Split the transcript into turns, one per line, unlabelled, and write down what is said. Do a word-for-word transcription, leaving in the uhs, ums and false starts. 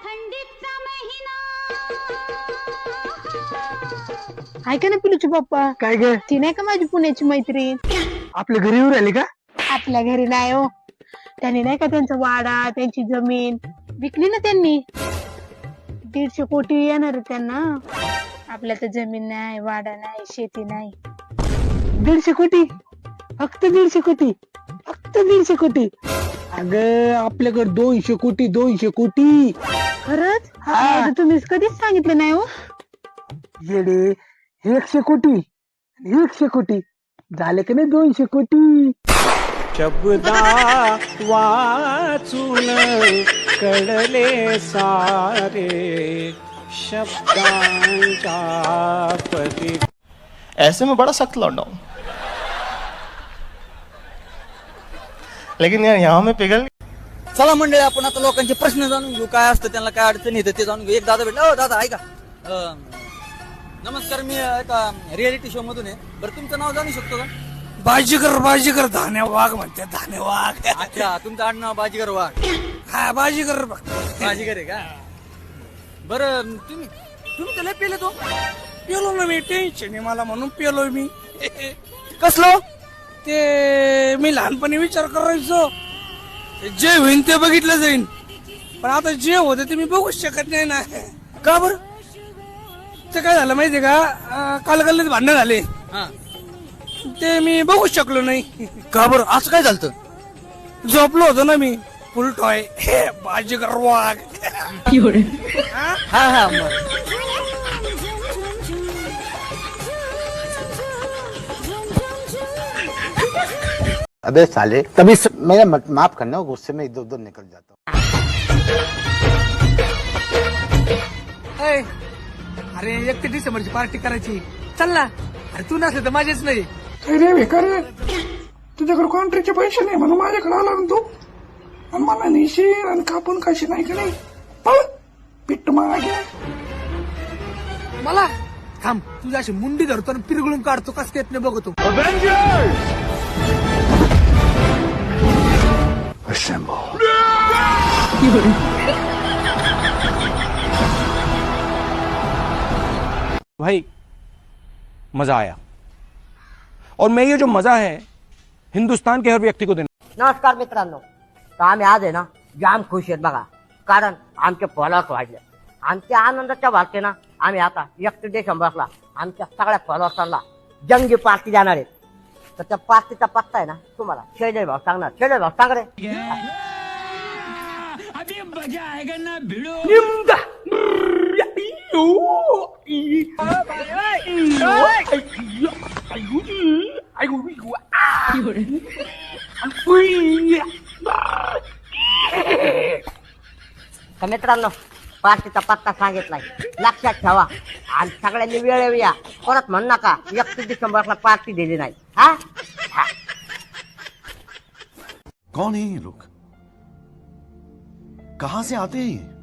थंडीचा महिना.
ऐका ना पिलूचे पप्पा,
काय ग
ती नाही का माझी पुण्याची मैत्रीण,
आपल्या घरी येऊन राहिली का?
आपल्या घरी नाही हो. त्यांनी नाही का त्यांचा वाडा, त्यांची जमीन विकली ना त्यांनी. दीडशे कोटी येणार आहे त्यांना. आपल्या तर जमीन नाही, वाडा नाही, शेती नाही.
दीडशे कोटी? फक्त दीडशे कोटी? फक्त दीडशे कोटी? अगं आपल्याकडे दोनशे कोटी, दोनशे कोटी.
खरंच?
हा.
नाही तर तुम्ही कधीच सांगितलं नाही हो.
येडे, एकशे कोटी एकशे कोटी झाले का नाही दोनशे कोटी.
शब्दा वाचून कळले सारे शब्दांच्या पती. ऐसे में बड़ा सख्त लौंडा हूं, लेकिन यार यहाँ में पिघल.
चला मंडळी, आपण आता लोकांचे प्रश्न जाणून घेऊ. काय असतं, त्यांना काय अडचण येते ते जाणून घेऊ. एक दादा भेटला. हो दादा, ऐका. अं, नमस्कार, मी एका रियालिटी शो मधून आहे. बरं, तुमचं नाव जाणू शकतो का?
बाजीगर बाजीगर धाने वाघ म्हणते, धाने वाघ.
अच्छा, तुमचं आडनाव बाजीगर वाघ.
हा बाजीगर.
बाजीगर आहे का? बरं, तुम्ही तुम्ही त्याला पेले तो
पेलो ना मी, टेन्शन आहे मला म्हणून पेलोय मी.
कसलो?
ते मी लहानपणी विचार करायचो जे होईन ते बघितलं जाईन, पण आता जे होते ते मी बघूच शकत नाही ना.
का बरं?
ते काय झालं माहितीये का, अं, काल गल्लीत भांडणं झाले,
हा,
ते मी बघूच शकलो नाही.
का बरं? असं काय झालं?
झोपलो होतो ना मी फुल टॉय. बाजीगर वाघ.
हा हा मग.
अबे साले, तभी स... मेरा मत माफ करना, गुस्से में इधर उधर निकल जाता हूँ.
ऐ, अरे एकतीस डिसेंबरची पार्टी करायची, चल ना. अरे तू नसले तर माझेच नाही.
रे बेकार, तुझ्याकडे कॉन्ट्रॅक्टचे पैसे नाही म्हणून माझ्याकडे आला ना तू. आणि मला नेशील आणि कापून कशी नाही का नाही. पळ पिट्ट मागे.
मला थांब, तुझ्या अशी मुंडी धरतो आणि पिरगळून काढतो, कस येत नाही बघतो.
भाई मजा आया, और मैं ये जो मजा है हिंदुस्तान के हर व्यक्ति को देना.
नमस्कार मित्रांनो, तर आम्ही आज आहे ना जाम खुश आहेत बघा, कारण आमचे फॉलोअर्स वाढले. आमच्या आनंदाच्या वाटते ना आम्ही आता एकतीस डिसेंबरला आमच्या सगळ्या फॉलोअर्सांना जंगी पार्टी देणार आहे. तर त्या पार्टीचा पत्ता आहे ना तुम्हाला शैलेश भाऊ सांगणार. शैलेश भाऊ सांग रे. तर मित्रांनो, पार्टीचा पत्ता सांगितलाय, लक्षात ठेवा. आणि सगळ्यांनी वेळेवर या. परत म्हण नका एकतीस डिसेंबरला पार्टी दिली नाही. हा,
कौन है ये लोग? कहां से आते हैं?